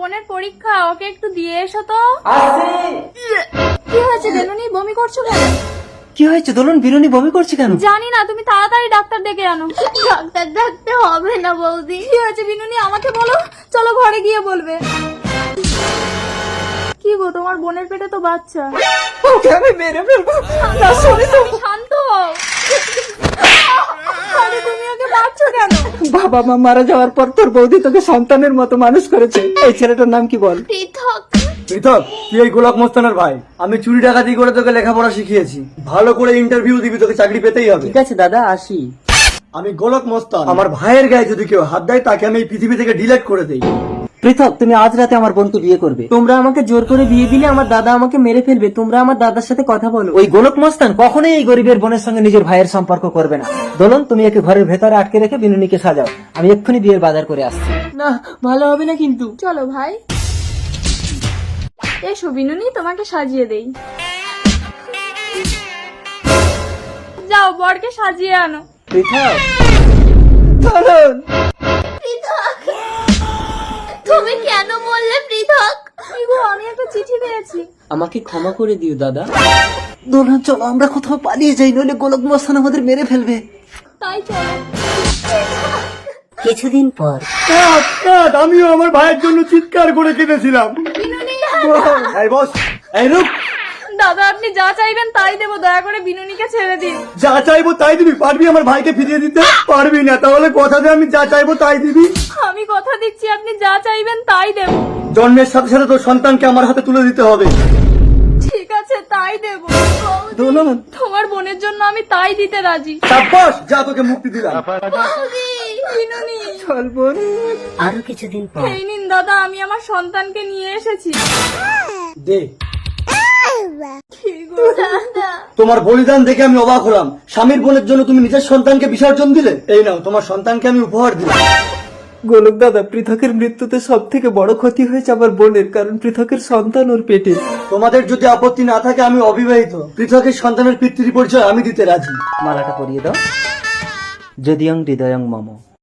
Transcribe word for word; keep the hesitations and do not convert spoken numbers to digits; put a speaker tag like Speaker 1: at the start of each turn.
Speaker 1: বোনের পরীক্ষা, ওকে একটু দিয়ে এসো তো। কি হয়েছে বেলুনি, বমি করছো কেন?
Speaker 2: কি হয়েছে দোলন, বিরুনি বমি করছে কেন?
Speaker 1: জানি না, তুমি তাড়াতাড়ি ডাক্তার ডেকে আনো।
Speaker 3: ডাক্তার ডাকতে হবে না বৌদি।
Speaker 1: কি হয়েছে বিনুনি, আমাকে বলো, চলো ঘরে গিয়ে বলবে। কি গো, তোমার বোনের পেটে তো বাচ্চা।
Speaker 2: ওকে আমি মেরে ফেলবো। না সরি
Speaker 1: তুমি শান্ত হও। আরে তুমি ওকে মারছো কেন?
Speaker 2: বাবা মা মারা যাওয়ার পর তোর বৌদি তোকে সন্তানের মতো মানুষ করেছে। এই ছেলেটার নাম কি বল?
Speaker 3: পৃথক।
Speaker 4: পৃথক, তুই এই গোলাপ মোস্তানের ভাই। আমি চুরি ডাকাতি করে তোকে লেখাপড়া শিখিয়েছি। ভালো করে ইন্টারভিউ দিবি, তোকে চাকরি পেতেই হবে।
Speaker 2: ঠিক আছে দাদা, আসি।
Speaker 4: আমি গোলাপ মোস্তান। আমার ভাইয়ের গায়ে যদি কেউ হাত দেয় তাকে আমি এই পৃথিবী থেকে ডিলিট করে দেই।
Speaker 2: পৃথক, তুমি আজ রাতে আমার বোনকে বিয়ে করবে। তোমরা আমাকে জোর করে বিয়ে দিলে আমার দাদা আমাকে মেরে ফেলবে। তোমরা আমার দাদার সাথে কথা বলো। ওই গোলক মস্তান কখনোই এই গরিবের বোনের সঙ্গে নিজের ভাইয়ের সম্পর্ক করবে না। দোলন, তুমি একে ঘরের ভেতরে আটকে রেখে বিনুনিকে সাজাও। আমি এক্ষুনি বিয়ের বাজার করে আসছি। না, ভালো হবে না কিন্তু।
Speaker 1: চলো ভাই, এসো বিনুনি, তোমাকে সাজিয়ে দেই। যাও বরকে সাজিয়ে আনো।
Speaker 2: পৃথক, দোলন,
Speaker 3: পৃথক, তুমি কেন বললে পৃথক?
Speaker 1: কি গো, আমি একটা চিঠি পেয়েছি।
Speaker 2: আমাকে ক্ষমা করে দিও দাদা। দোলন চলো আমরা কোথাও পালিয়ে যাই, নইলে গোলক মস্তান আমাদের মেরে ফেলবে।
Speaker 1: তাই চলো।
Speaker 2: কিছুদিন পর
Speaker 4: কাট, কাট, আমিও আমার ভাইয়ের জন্য চিৎকার করে কেঁদেছিলাম। এই বস, এই রূপ,
Speaker 1: দাদা আপনি যা চাইবেন তাই দেবো, দয়া করে বিনুনিকে ছেড়ে দিন।
Speaker 4: যা চাইবো তাই দিবি? পারবি আমার ভাইকে ফিরিয়ে দিতে? পারবি না, তাহলে কথা দে আমি যা চাইবো তাই দিবি।
Speaker 1: আমি কথা দিচ্ছি, আপনি যা চাইবেন তাই দেবো।
Speaker 4: জন্মের সাথে সাথে তোর সন্তানকে আমার হাতে তুলে দিতে হবে।
Speaker 1: ঠিক আছে, তাই দেবো।
Speaker 2: দোলন,
Speaker 1: তোমার বোনের জন্য আমি তাই দিতে রাজি।
Speaker 4: সাব্বাস, যা তোকে মুক্তি দিলাম।
Speaker 1: বিনুনি,
Speaker 2: চল বোন। আরো কিছুদিন পর
Speaker 1: এই নিন দাদা, আমি আমার সন্তানকে নিয়ে এসেছি।
Speaker 4: দে,
Speaker 1: কি গো দাদা?
Speaker 4: তোমার বলিদান দেখে আমি অবাক হলাম। স্বামীর বোনের জন্য তুমি নিজের সন্তানকে বিসর্জন দিলে। এই নাও, তোমার সন্তানকে আমি উপহার দিলাম।
Speaker 2: গোলক দাদা, পৃথকের মৃত্যুতে সব থেকে বড় ক্ষতি হয়েছে আমার বোনের, কারণ পৃথকের সন্তান ওর পেটে।
Speaker 4: তোমাদের যদি আপত্তি না থাকে আমি অবিবাহিত। পৃথকের সন্তানের পিতৃ পরিচয় আমি দিতে রাজি।
Speaker 2: মালাটা পরিয়ে দাও। যদিয়ং হৃদয়ং মম।